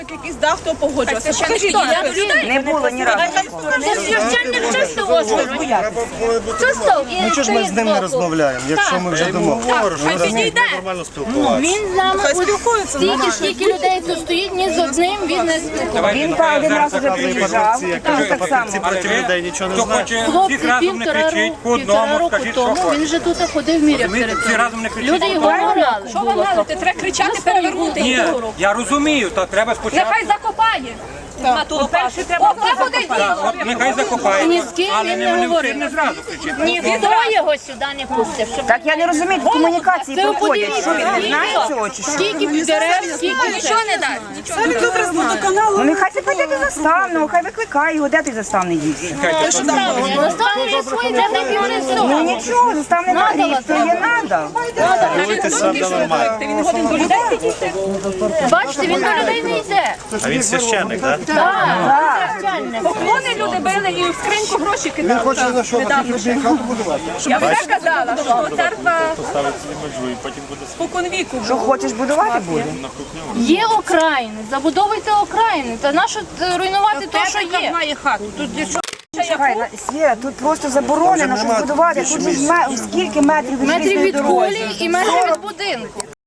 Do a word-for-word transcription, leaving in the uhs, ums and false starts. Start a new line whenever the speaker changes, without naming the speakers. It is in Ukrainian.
Якийсь дах, хто погоджувався. Покажіть,
Не було ні разу.
Це священник чисто озеро. Чисто.
Ну чого ж ми з ним не розмовляємо, якщо ми вже домовилися?
хай підійде.
Нормально спілкуватися.
Він з нами
Хай спілкуються.
стільки, скільки людей тут стоїть, ні з одним він не спілкувався.
Він та один раз вже приїжджав, там так само.
Ці проти людей нічого не
Хто
знають.
хоче,
Хлопці
всіх разом не
півтора
кричіть,
року,
по
півтора
одному,
року
скажіть, що
тому
хочете.
він же тут ходив, міряв
Розумієте, всі
територію.
разом не кричіть.
Люди його морали.
Що ви налите? Треба кричати, перевернути
Ні,
їх.
я розумію, то треба спочатку.
Нехай закопає. На ту лопату. О, це буде діло.
От нехай закопає,
Ні з ким
але
він
не
не
вони
говорив.
всі не зразу кричить.
Ніхто його сюди не пустив. щоб-
Так я не розумію, тут комунікації
Це
проходять.
подивіться,
Що він не знає цього чи що?
Скільки дерев, скільки
Нічого не дасть. Це він добре знає.
Ну нехай ти піде до заставного, хай викликає його, де той заставний дівся.
Заставили свої дерев'яні
Ну
півнесу.
нічого, заставний гріх, то є надо.
Дивитися нормально.
Він годин до людей підійти.
Бачите, він до людей не йде.
А він священник, так?
Так, священник.
Поклони люди били і в скриньку гроші кидали. Він хоче на що, на хату будувати? Я вже казала, що церква споконвіку.
Що хочеш будувати буде?
Є окраїни, забудовуйте окраїни. Та нащо е, руйнувати те, що є?
має хату. Тут для чого?
Чекай, на- Свіра, тут просто заборонено, щоб будувати. Тут же ж ме- скільки метрів від
Метрів
желізної
від
дороги?
колії і метрів від будинку.